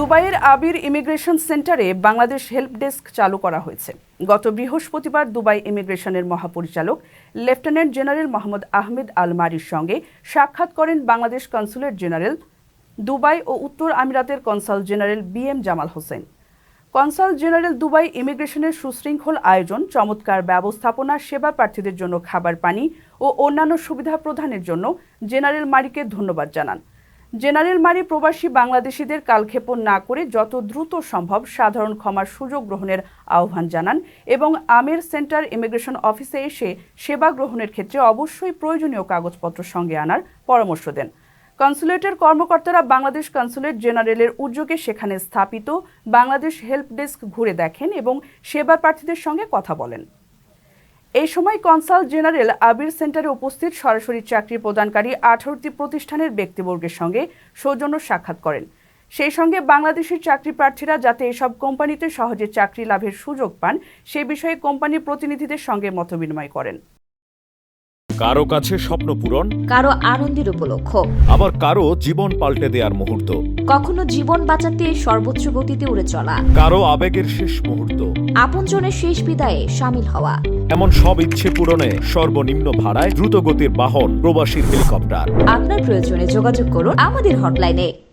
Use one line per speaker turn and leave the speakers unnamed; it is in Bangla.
দুবাইয়ের আবির ইমিগ্রেশন সেন্টারে বাংলাদেশ হেল্প ডেস্ক চালু করা হয়েছে। গত বৃহস্পতিবার দুবাই ইমিগ্রেশনের মহাপরিচালক lieutenant general Mohammad Ahmed Al মারির সঙ্গে সাক্ষাৎ করেন বাংলাদেশ কনসুলেট জেনারেল দুবাই ও উত্তর আমিরাতের consul general BM Jamal Hossain. Consul general Dubai ইমিগ্রেশনের সুশৃঙ্খল আয়োজন, চমৎকার ব্যবস্থাপনা, সেবা প্রার্থীদের জন্য খাবার পানি ও অন্যান্য সুবিধা প্রদানের জন্য জেনারেল মারিকে ধন্যবাদ জানান। জেনারেল মারি প্রবাসী বাংলাদেশিদের কালক্ষেপণ না করে যত দ্রুত সম্ভব সাধারণ ক্ষমার সুযোগ গ্রহণের আহ্বান জানান এবং আমির সেন্টার ইমিগ্রেশন অফিসে এসে সেবা গ্রহণের ক্ষেত্রে অবশ্যই প্রয়োজনীয় কাগজপত্র সঙ্গে আনার পরামর্শ দেন। কনসুলেটের কর্মকর্তারা বাংলাদেশ কনসুলেট জেনারেলের উদ্যোগে সেখানে স্থাপিত বাংলাদেশ হেল্প ডেস্ক ঘুরে দেখেন এবং সেবা প্রার্থীদের সঙ্গে কথা বলেন। এই সময় কনসাল জেনারেল আবির সেন্টারে উপস্থিত সরাসরি চাকরি প্রদানকারী 18টি প্রতিষ্ঠানের ব্যক্তিবর্গের সঙ্গে সৌজন্য সাক্ষাৎ করেন। সেই সঙ্গে বাংলাদেশের চাকরি প্রার্থীরা যাতে এসব কোম্পানিতে সহজে চাকরি লাভের সুযোগ পান সে বিষয়ে কোম্পানির প্রতিনিধিদের সঙ্গে মতবিনিময় করেন।
কারো কাছে স্বপ্ন পূরণ,
কারো আনন্দের উপলক্ষ,
আবার কারো জীবন পাল্টে দেওয়ার মুহূর্ত,
কখনো জীবন বাঁচাতে সর্বোচ্চ গতিতে উড়ে চলা,
কারো আবেগের শেষ মুহূর্ত,
আপনজনের শেষ বিদায়ে শামিল হওয়া,
এমন সব ইচ্ছে পূরণে সর্বনিম্ন ভাড়ায় দ্রুতগতির বাহন প্রবাসীর হেলিকপ্টার।
আপনার প্রয়োজনে যোগাযোগ করুন আমাদের হটলাইনে।